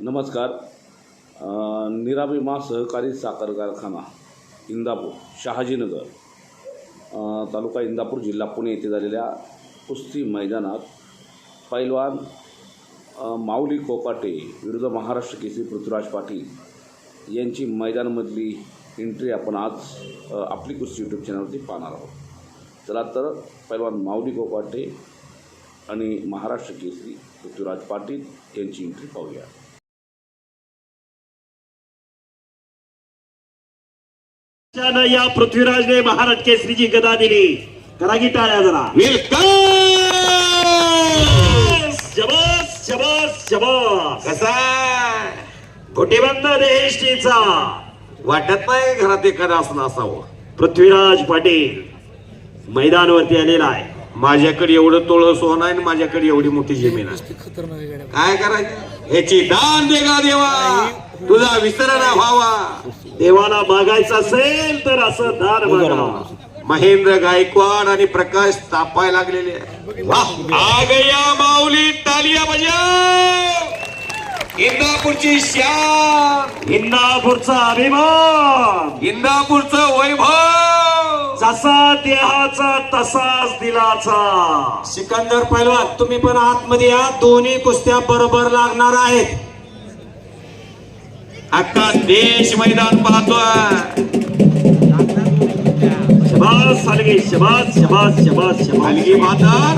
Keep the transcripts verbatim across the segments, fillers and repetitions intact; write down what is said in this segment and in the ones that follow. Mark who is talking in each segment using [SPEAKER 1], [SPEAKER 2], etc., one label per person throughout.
[SPEAKER 1] नमस्कार. निराभिमा सहकारी साखर कारखाना इंदापूर शहाजीनगर तालुका इंदापूर जिल्हा पुणे येथे झालेल्या कुस्ती मैदानात पैलवान माऊली कोकाटे विरुद्ध महाराष्ट्र केसरी पृथ्वीराज पाटील यांची मैदानामधली एंट्री आपण आज आपली कुस्ती यूट्यूब चॅनलवरती पाहणार आहोत. चला तर पैलवान माऊली कोकाटे आणि महाराष्ट्र केसरी पृथ्वीराज पाटील यांची एंट्री पाहूया.
[SPEAKER 2] या पृथ्वीराजने महाराज केसरीची गदा दिली. करा की टाळ्या जरा. शबास शबास शबास.
[SPEAKER 3] कसा
[SPEAKER 2] घोटीबंद देहेष्टीचा
[SPEAKER 3] वाटत नाही घरात एखादा असं असावं.
[SPEAKER 2] पृथ्वीराज पाटील मैदानावरती आलेला आहे.
[SPEAKER 3] माझ्याकडे एवढं तोळ सोनं आहे आणि माझ्याकडे एवढी मोठी जमीन आहे. काय करायचं ह्याची दान दे गा देवा, तुझा विसर ना व्हावा.
[SPEAKER 2] देवाला मागायचं असेल तर असं दान मागावं.
[SPEAKER 3] महेंद्र गायकवाड आणि प्रकाश तापाय लागलेले. आ गया माऊली, तालिया बजाव. इंदापूरची शान,
[SPEAKER 2] इंदापूरचा अभिमान,
[SPEAKER 3] इंदापूरचं वैभव.
[SPEAKER 2] जसा देहाचा तसाच दिलाचा.
[SPEAKER 4] सिकंदर पैलवान तुम्ही पण आतमध्ये या. दोन्ही कुस्त्या बरोबर लागणार आहेत.
[SPEAKER 3] अख्खा देश मैदान पाहतोय.
[SPEAKER 2] शबास सालगी, शबास शबास शबास शबास.
[SPEAKER 3] हलगी म्हातार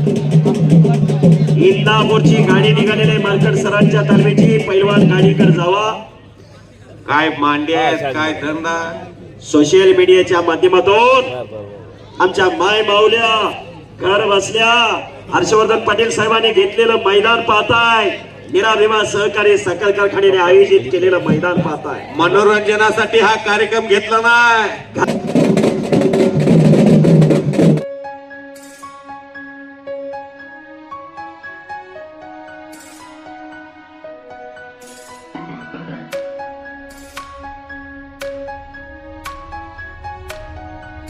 [SPEAKER 2] इंदापूरची गाडी निघालेली आहे. मालकड सरांच्या तालमीची. पैलवान गाडीकडे जावा.
[SPEAKER 3] काय मांडे आहेत, काय धंदा.
[SPEAKER 2] सोशल मीडियाच्या माध्यमातून आमच्या माय माऊल्या घर बसल्या हर्षवर्धन पाटील साहेबांनी घेतलेलं मैदान पाहताय. निराभिमा सहकारी साखर कारखान्याने आयोजित केलेलं मैदान पाहताय.
[SPEAKER 3] मनोरंजनासाठी हा कार्यक्रम घेतला नाही.